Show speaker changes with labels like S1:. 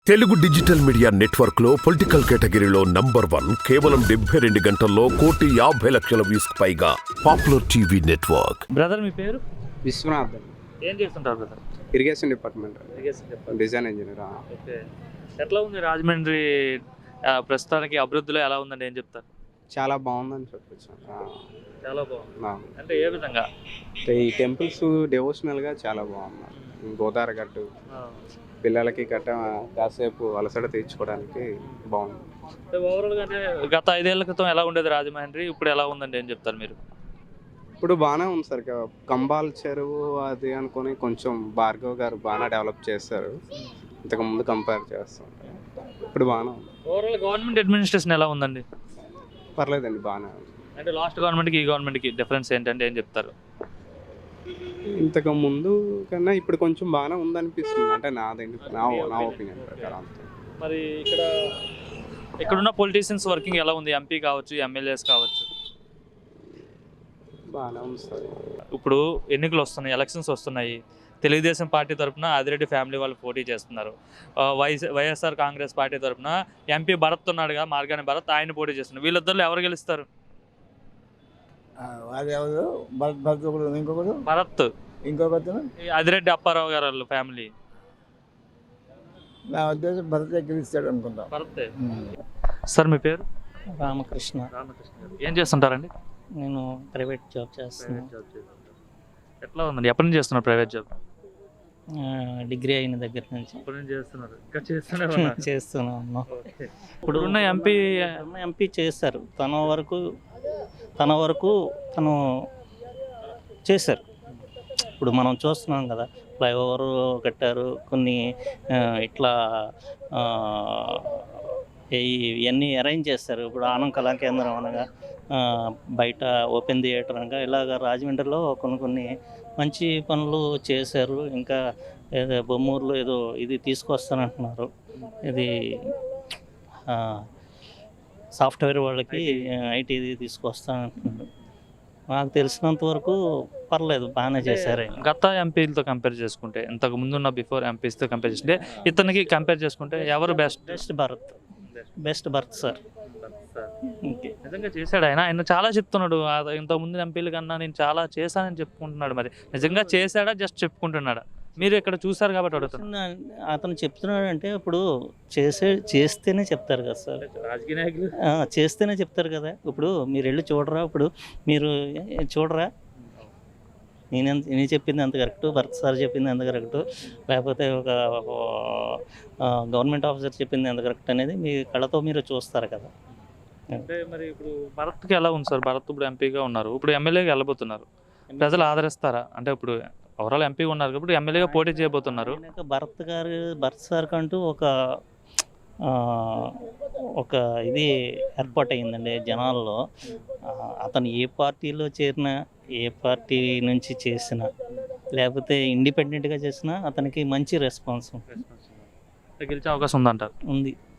S1: Telugu digital media network లో political కేటగిరీలో number 1 కేవలం 72 గంటల్లో 1,50,00,000 వ్యూస్ పైగా పాపులర్ టీవీ నెట్వర్క్.
S2: బ్రదర్ మీ పేరు?
S3: విశ్వనాథ్.
S2: ఏం చేస్తుంటారు brother?
S3: Irrigation department, design engineer.
S2: Okay. ఎట్లా ఉంది రాజమండ్రి ప్రస్తుతానికి అభివృద్ధిలో ఎలా ఉందండి, ఏం చెప్తారు?
S3: చాలా బాగుందని చెప్పచ్చు.
S2: చాలా బాగుంది అంటే ఏ విధంగా?
S3: ఈ టెంపుల్స్ డివోషనల్గా చాలా బాగున్నారు. గోదావరి గట్టు పిల్లలకి గట్ట కాసేపు అలసట తీర్చుకోవడానికి బాగుంది.
S2: ఓవరాల్గా అంటే గత 5 ఏళ్ల క్రితం ఎలా ఉండేది రాజమండ్రి, ఇప్పుడు ఎలా ఉందండి, ఏం చెప్తారు మీరు?
S3: ఇప్పుడు బాగానే ఉంది సార్. కంబాల్ చెరువు అది అనుకుని కొంచెం భార్గవ్ గారు బాగా డెవలప్ చేస్తారు ఇంతకుముందు కంపేర్ చేస్తుంటే. ఇప్పుడు బాగానే ఉంది.
S2: ఓవరాల్ గవర్నమెంట్ అడ్మినిస్ట్రేషన్ ఎలా ఉందండి?
S3: పర్లేదండి, బాగానే ఉంది.
S2: అంటే లాస్ట్ గవర్నమెంట్కి ఈ గవర్నమెంట్కి డిఫరెన్స్ ఏంటంటే ఏం చెప్తారు?
S3: ఇంతకు ముందు కన్నా ఇప్పుడు కొంచెం బాగానే ఉందనిపిస్తుంది. అంటే నా ఒపీనియన్ ప్రకారం.
S2: మరి ఇక్కడున్న పొలిటీషియన్స్ వర్కింగ్ ఎలా ఉంది? ఎంపీ కావచ్చు, ఎమ్మెల్యేస్ కావచ్చు.
S3: బాగానే ఉంది సార్.
S2: ఇప్పుడు ఎన్నికలు వస్తున్నాయి, ఎలక్షన్స్ వస్తున్నాయి. తెలుగుదేశం పార్టీ తరఫున ఆదిరెడ్డి ఫ్యామిలీ వాళ్ళు పోటీ చేస్తున్నారు. వైఎస్ఆర్ కాంగ్రెస్ పార్టీ తరఫున ఎంపీ భరత్ ఉన్నాడుగా, మార్గాని భరత్, ఆయన పోటీ చేస్తున్నారు. వీళ్ళిద్దరిలో ఎవరు గెలుస్తారు? భరత్,
S4: ఇంకొకరు
S2: ఆదిరెడ్డి అప్పారావు గారు వాళ్ళ ఫ్యామిలీ.
S4: నా ఉద్దేశం భరత్ గెలుస్తాడు అనుకుంటా.
S2: భరత్. సార్ మీ పేరు?
S5: రామకృష్ణ.
S2: రామకృష్ణ గారు ఏం చేస్తుంటారండి?
S5: నేను ప్రైవేట్ జాబ్ చేస్తున్నాను.
S2: ఎట్లా ఉందండి, ఎప్పటి నుంచి చేస్తున్నారు ప్రైవేట్ జాబ్?
S5: డిగ్రీ అయిన దగ్గర నుంచి
S2: చేస్తున్నారు, ఇంకా చేస్తూనే
S5: చేస్తున్నాను.
S2: ఇప్పుడు ఉన్న
S5: ఎంపీ చేస్తారు, తన వరకు తను చేశారు. ఇప్పుడు మనం చూస్తున్నాం కదా, ఫ్లైఓవర్ కట్టారు, కొన్ని ఇట్లా ఇవన్నీ అరేంజ్ చేస్తారు. ఇప్పుడు ఆనం కళా కేంద్రం అనగా, బయట ఓపెన్ థియేటర్ అనగా, ఇలాగ రాజమండ్రిలో కొన్ని మంచి పనులు చేశారు. ఇంకా ఏదో బొమ్మూరులో ఏదో ఇది తీసుకొస్తానంటున్నారు, ఇది సాఫ్ట్వేర్ వాళ్ళకి ఐటీ తీసుకొస్తానంటున్నారు. నాకు తెలిసినంత వరకు పర్లేదు, బాగానే చేశారు.
S2: గత ఎంపీలతో కంపేర్ చేసుకుంటే, ఇంతకు ముందున్న బిఫోర్ ఎంపీస్తో కంపేర్ చేసుకుంటే, ఇతనికి కంపేర్ చేసుకుంటే ఎవరు బెస్ట్?
S5: Best Bharat sir.
S2: నిజంగా చేశాడు ఆయన చాలా చెప్తున్నాడు. ఇంతకు ముందు ఎంపీల కన్నా నేను చాలా చేశానని చెప్పుకుంటున్నాడు. మరి నిజంగా చేశాడా, జస్ట్ చెప్పుకుంటున్నాడా? మీరు ఇక్కడ చూసారు కాబట్టి అడుగుతున్నాను.
S5: అతను చెప్తున్నాడు అంటే ఇప్పుడు చేస్తేనే చెప్తారు కదా సార్,
S2: రాజకీయ నాయకులు
S5: చేస్తేనే చెప్తారు కదా. ఇప్పుడు మీరు వెళ్ళి చూడరా, ఇప్పుడు మీరు చూడరా, నేను చెప్పింది ఎంత కరెక్టు, భరత్ సార్ చెప్పింది ఎంత కరెక్టు, లేకపోతే ఒక గవర్నమెంట్ ఆఫీసర్ చెప్పింది ఎంత కరెక్ట్ అనేది మీ కళ్ళతో మీరు చూస్తారు కదా.
S2: అంటే మరి ఇప్పుడు భరత్కి ఎలా ఉంది సార్? భరత్ ఇప్పుడు ఎంపీగా ఉన్నారు, ఇప్పుడు ఎమ్మెల్యేగా వెళ్ళబోతున్నారు. ప్రజలు ఆదరిస్తారా? అంటే ఇప్పుడు ఓవరాల్ ఎంపీ ఉన్నారు కాబట్టి ఎమ్మెల్యేగా పోటీ చేయబోతున్నారు.
S5: భరత్ సార్ కంటూ ఒక ఇది ఏర్పాటు అయిందండి జనాల్లో. అతను ఏ పార్టీలో చేరినా, ఏ పార్టీ నుంచి చేసినా, లేకపోతే ఇండిపెండెంట్గా చేసినా అతనికి మంచి రెస్పాన్స్
S2: గెలిచే అవకాశం ఉందంటారు.
S5: ఉంది.